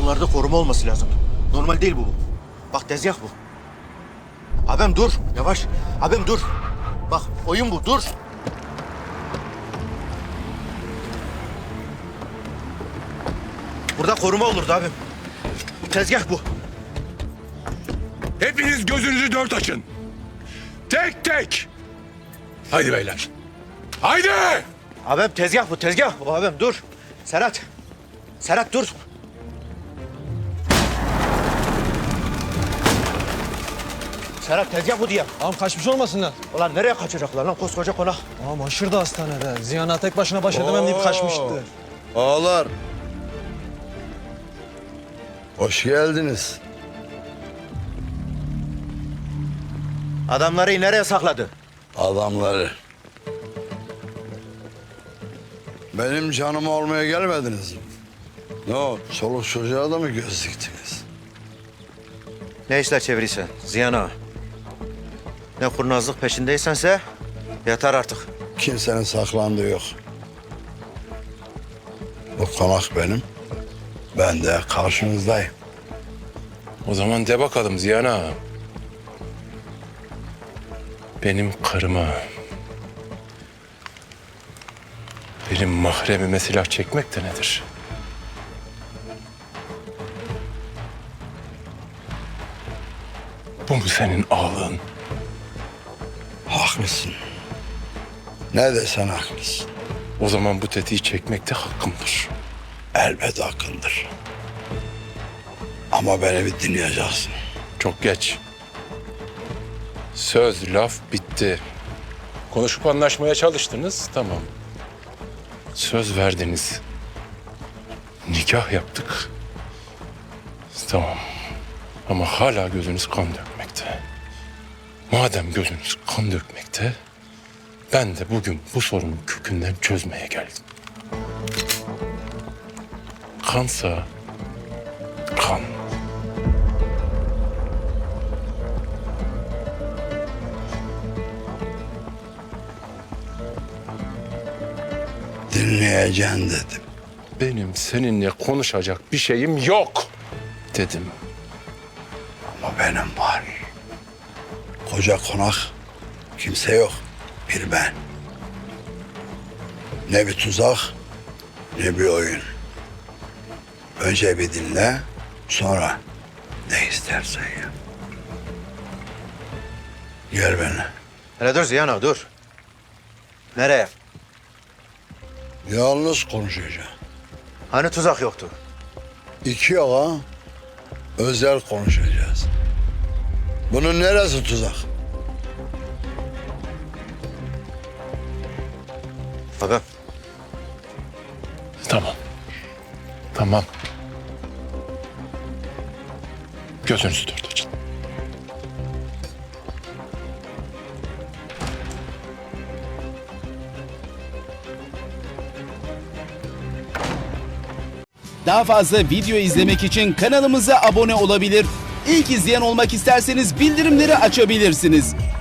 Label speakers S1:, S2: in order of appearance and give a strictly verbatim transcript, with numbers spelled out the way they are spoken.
S1: Bunlarda koruma olması lazım. Normal değil bu. Bak tezgah bu. Abim dur. Yavaş. Abim dur. Bak oyun bu. Dur. Burada koruma olurdu abim. Tezgah bu.
S2: Hepiniz gözünüzü dört açın. Tek tek. Haydi beyler. Haydi.
S1: Abim tezgah bu. Tezgah. O abim dur. Serhat. Serhat dur. Serhat tezgah bu diye.
S3: Ağam kaçmış olmasınlar.
S1: Ulan nereye kaçacaklar lan koskoca konak?
S3: Ağam aşırı da hastanede. Ziyan'a tek başına baş edemem deyip kaçmıştı.
S4: Ağalar. Hoş geldiniz.
S1: Adamları nereye sakladı?
S4: Adamları. Benim canımı almaya gelmediniz mi? Ne o, çoluk çocuğa da mı göz diktiniz?
S1: Ne işler çevirirsen Ziyan ağa. Ne kurnazlık peşindeysense yeter artık.
S4: Kimsenin saklandığı yok. Bu konak benim. Ben de karşınızdayım.
S2: O zaman de bakalım Ziyan ağa. Benim karıma, benim mahremime silah çekmek de nedir? Bu mu senin ağlığın?
S4: Haklısın. Ne desen haklısın.
S2: O zaman bu tetiği çekmek de hakkımdır.
S4: Elbet hakkındır. Ama beni bir dinleyeceksin.
S2: Çok geç. Söz, laf bitti. Konuşup anlaşmaya çalıştınız, tamam. Söz verdiniz. Nikah yaptık. Tamam. Ama hala gözünüz kan dökmekte. Madem gözünüz kan dökmekte, ben de bugün bu sorunu kökünden çözmeye geldim. Kansa kan.
S4: Dinleyeceksin dedim.
S2: Benim seninle konuşacak bir şeyim yok dedim.
S4: Ama benim var. Koca konak, kimse yok. Bir ben. Ne bir tuzak, ne bir oyun. Önce bir dinle, sonra ne istersen yap. Gel benimle.
S1: Hele dur Ziyan ağa dur. Nereye?
S4: Yalnız konuşacağım.
S1: Hani tuzak yoktu?
S4: İki ağa özel konuşacağız. Bunun neresi tuzak?
S1: Abim.
S2: Tamam. Tamam. Gözünüzü dört açın.
S5: Daha fazla video izlemek için kanalımıza abone olabilir. İlk izleyen olmak isterseniz bildirimleri açabilirsiniz.